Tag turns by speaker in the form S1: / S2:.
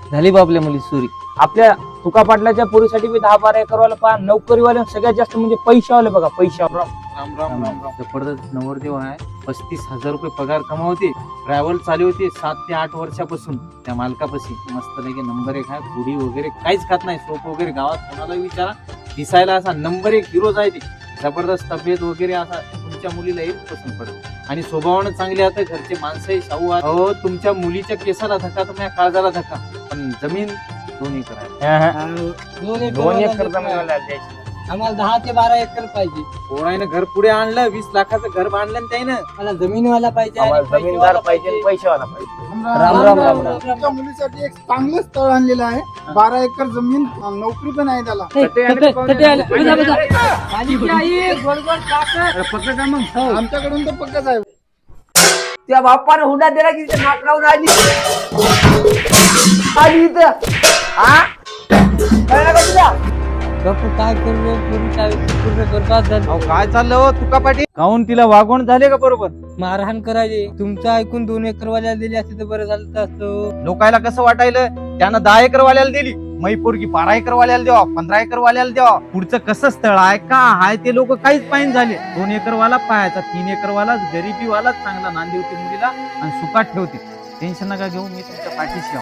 S1: झाली बा आपल्या मुली चोरी. आपल्या तुका पाटलाच्या पोरीसाठी बी 10-12 एकरवाला पहा. नोकरीवाले सगळ्यात जास्त म्हणजे पैशावाले बघा, पैशावर
S2: राम राम राम राम. जबरदस्त नवरदेव आहे. 35,000 रुपये पगार कमावते. ट्रॅव्हल चालू होते 7 ते 8 वर्षापासून त्या मालकापाशी. मस्त लगे नंबर 1 आहे. पुडी वगैरे काहीच खात नाही. सोप वगैरे गावात कोणाला विचारा, दिसायला असा नंबर 1 हिरोज आहे ते. जबरदस्त तब्येत वगैरे असा तुमच्या मुलीला एक पसंत पडेल. आणि स्वभावानं चांगले आता घरचे माणसंही शाहू आहे. अहो तुमच्या मुलीच्या केसाला धक्का तर माझ्या काळजाला धक्का. पण जमीन 2 एकर आहे.
S1: 2 एकर जमीन द्यायची.
S3: आम्हाला 10 ते 12 एकर पाहिजे.
S2: पोरानं घर पुढे आणलं, 20 लाखाचं घर बांधलं ना त्यानं.
S3: मला जमीनवाला पाहिजे आणि
S1: आम्हाला जमीनदार पाहिजे, पैशावाला पाहिजे. राम राम राम राम.
S4: तुमच्या मुलीसाठी एक चांगलं स्थळ आणलेलं आहे. 12 एकर जमीन, नोकरी पण आहे त्याला. आमच्याकडून तर पक्कच आहे.
S3: त्या बापाने हुंडा दिला की नाक लावून आली इथं. कळलं का तुला? बापू काय करू, पूर्ण बरबाद झालं.
S2: अहो काय चाललं हो तुका पाटील? काहून तिला वागवण झाले का बरोबर?
S3: मारहाण करायचे. तुमचं ऐकून 2 एकर वाल्याला दिली असते तर बरं झालं असतं.
S2: लोकायला कसं वाटायलं त्यानं 10 एकर वाल्याला दिली, मै पोरगी 12 एकर वाल्याला द्यावा, 15 एकर वाल्याला द्यावा. पुढचं कसं स्थळ आहे का आहे ते लोक काहीच पाहिजे झाले. 2 एकर वाला पाहायचा, 3 एकर वाला गरीबी वाला चांगला नांदी होती मुलीला आणि सुखात ठेवते. टेन्शन नका घेऊ, मी तुमच्या पाठीशी आहे.